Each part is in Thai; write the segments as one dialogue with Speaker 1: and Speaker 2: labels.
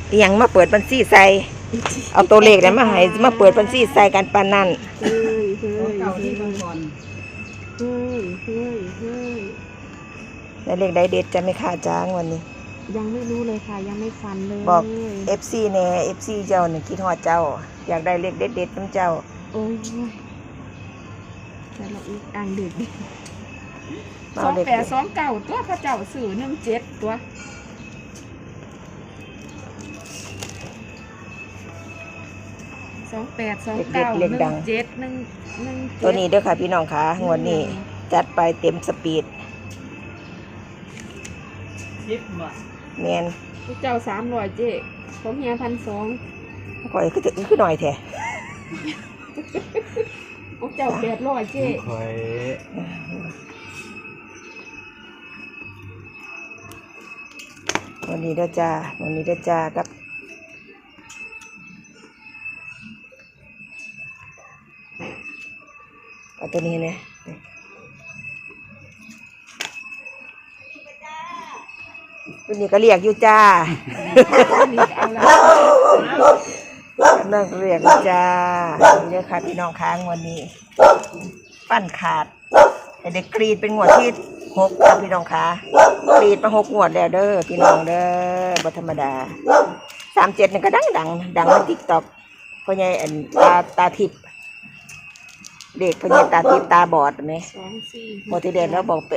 Speaker 1: ยังมาเปิดบัญชีใส่เอาตัวเลขนั้นมาให้มาเปิดบัญชีใส่กันปานนั้น
Speaker 2: เฮ้ยเฮ้ย
Speaker 3: เก่าที่บางคน
Speaker 2: เฮ้ยเฮ้ยเฮ้ย
Speaker 1: แล้วเลขใดเด็ดจะไม่ขาดจ้างวันนี้
Speaker 2: ยังไม่รู้เลยค่ะยังไม่ฟันเลย
Speaker 1: บอก FC แน่ FC เจ้านี่คิดฮอดเจ้าอยากได้เลขเด็ดๆนำเจ้า
Speaker 2: โอ้ยแต่เราอีกอ่างเด็ด2829ตัวพระเจ้าสื่อ17ตัว28291711
Speaker 1: ตัวนี้เด้อค่ะพี่น้องค่ะงวดนี้จัดไปเต็มสปีด
Speaker 3: 10 บาท
Speaker 1: แม่น
Speaker 2: พระเจ้า300เจ๊ของเฮีย1,200
Speaker 1: ข่อยคือน้อยแท้
Speaker 2: พระเจ้า800เจ๊
Speaker 3: ข่อย
Speaker 1: วันนี้เด้อจ้าวันนี้เด้อจ้ากับเอาตัวนี้เนี่ยตัวนี้ก็เรียกอยู่จ้านั่งเรียกอยู่จ้านี่เลยค่ะพี่น้องค้างวันนี้ปั้นขาดเด็กกรีดเป็นงวดที่6ค่ะพี่น้องค่ะกรีดมา6งวดแล้วเด้อพี่น้องเด้อบ่ธรรมดา37นี่ก็ดังใน TikTok พ่อใหญ่อันตาทิพย์เด็กพ่อใหญ่ตาทิพย์ตาบอดไหมโมติเดนแล้วบอก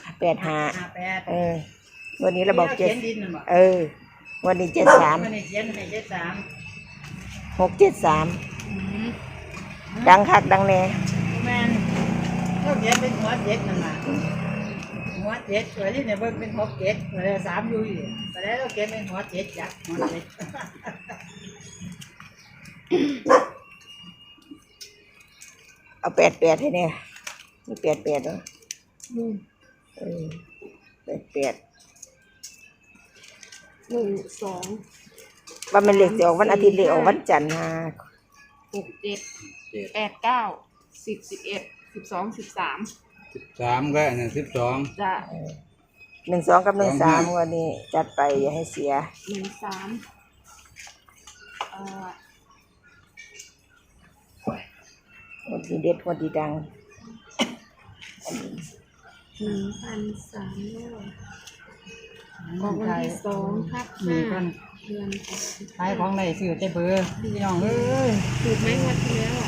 Speaker 1: 85วันนี้เราบอก7วันนี้73ดังคักดังแน่
Speaker 3: แม่นเขาเขียนเป็นหัว7นั่นน่ะหัว7ตัวนี้เนี่ยเบิ่งเป็น6 7ตัวละ3อยู่อีกแต่แล้วเราเขียนเป็นหัว7จักหัว7
Speaker 1: เอา88ให้แน่นี่88เนาะ88
Speaker 2: 12
Speaker 1: ว่ามันเลขสิออกวันอาทิตย์เลขออกวันจันทร์ค่ะ
Speaker 2: 6 7 8 9 10 11 12 13
Speaker 3: ก็อันนั้น12
Speaker 2: จ้ะ
Speaker 1: 12กับ13วันนี้จัดไปอย่าให้เสีย
Speaker 2: 13
Speaker 1: วันที่เด็ดวันที่ดัง
Speaker 2: 1,300ออกวันที่2/5เดือน
Speaker 3: ขายของได้ซื้อแต่เบอร์พี่น้องเอ้ย
Speaker 2: ถูกไหมงวดที่แล้ว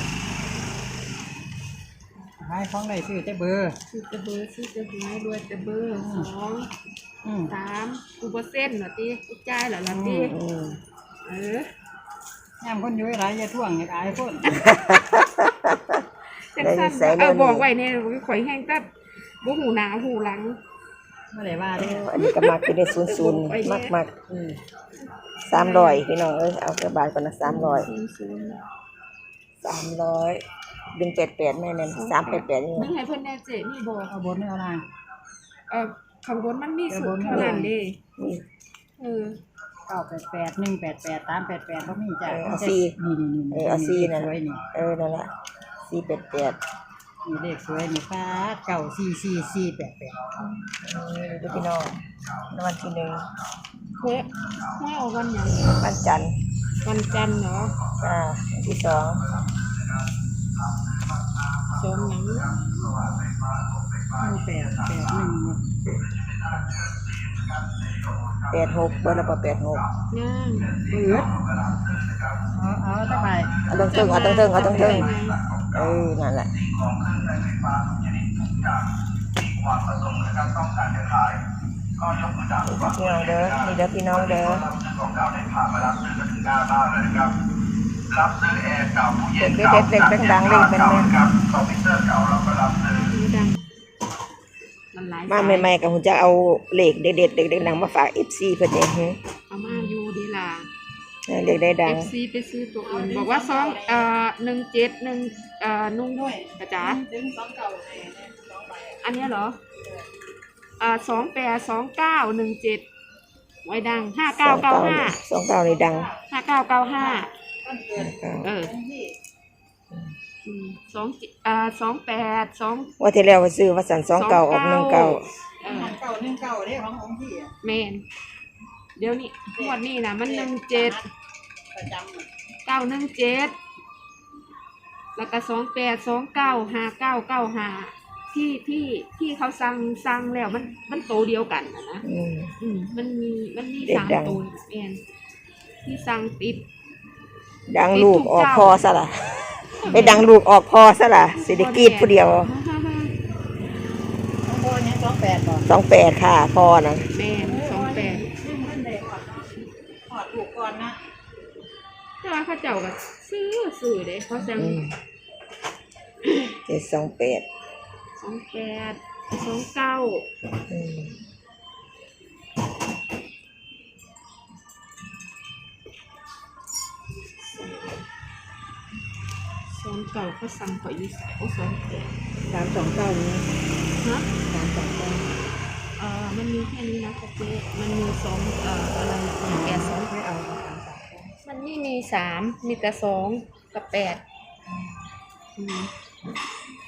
Speaker 3: ขายของได้ซื้อแต่เบอร์
Speaker 2: ซื้อแต่เบอร์ซื้อแต่หวยรวยแต่เบอร์2 3กูบ่เส้นเหรอติกูจ่ายเหรอล่ะติ
Speaker 3: ยามคนอยู่หลายอย่าท่วงอย่าอายคน
Speaker 2: เอาบอกไว้เนี่ยข่อยแห้งแต่บ่หูหน้าหูหลัง
Speaker 3: บ่ได้ว่าเด้อ
Speaker 1: อันนี้ก็มักอยู่ใน00มัก300พี่น้องเอ้ยเอากระบาดก่อนนะ300ดึง88แม่นั่น388นี่
Speaker 2: ดึงให้เพิ่นแน่เจ๊นี่บ่
Speaker 3: เอาบนเอาล่าง
Speaker 2: ข้างบนมันมีสุดเท่านั้นเด้
Speaker 3: 988 188 388บ่มีจ้ะ
Speaker 1: เอา4เอา4นั่นนั่นล่ะ488
Speaker 3: นี่เลขสวยนี่ฟ้า94488
Speaker 1: ดูพี่น้องวันที่1
Speaker 2: ไม่เอาวันหยัง
Speaker 1: วันจันทร์
Speaker 2: เหรอ
Speaker 1: วันที่2
Speaker 2: หยัง
Speaker 1: 86เบอร์ละ86
Speaker 2: ย่าง
Speaker 3: เอาต่อไป
Speaker 1: เอาตั้งนั่นแหละพี่น้องเด้อนี่เด้อพี่น้องเด้อเด็กดังๆเลยเป็นมาใหม่ๆกับผมจะเอาเลขเด็ดๆดังๆมาฝาก FC เพิ่นเอง
Speaker 2: เอามาอยู่ดีล่ะ
Speaker 1: เลขได้ดัง
Speaker 2: FC ไปซื้อตัวอื่นบอกว่า17นุ่งด้วยกระจ๋าอันนี้เหรอ282917ไว้ดัง5995
Speaker 1: 29นี่ดัง
Speaker 2: 599528
Speaker 1: ว่าที่แล้วว่าซื้อว่าสั่น29ออก19
Speaker 3: 19เด้ของพี่
Speaker 2: แม่นเดี๋ยวนี้งวดนี้นะมัน17
Speaker 3: ประจำ
Speaker 2: 917แล้วก็28 29 59 95ที่เขาสั่งแล้วมันโตเดียวกันนะ มันมี
Speaker 1: เด็ก
Speaker 2: 3
Speaker 1: ดัง
Speaker 2: ตัวแม่นที่สั่งติด
Speaker 1: ดังลูกออกพอซะล่ะไปดังลูกออกพอซะล่ะสิได้กรีดผู้เดียว
Speaker 3: น้องโบเนี่ย28บ่
Speaker 1: 28ค่ะพอนะ
Speaker 2: แม่น
Speaker 3: ซึ่งมันได้หอดถูกก่อนนะ
Speaker 2: 28แต่ว่าเขาเจ้าก็ซื้อเด้เขาสั่ง
Speaker 1: 728
Speaker 2: 28 29
Speaker 1: อืม
Speaker 2: 29เขาสั่งเขาอยู่ใส่โอ้28
Speaker 3: 329นี้
Speaker 2: ฮะ
Speaker 3: 329
Speaker 2: มันมีแค่นี้นะค่ะเจ๊มันมีอะไร2
Speaker 3: ไม่เอา
Speaker 2: มันไม่มี3มีแต่2กับ8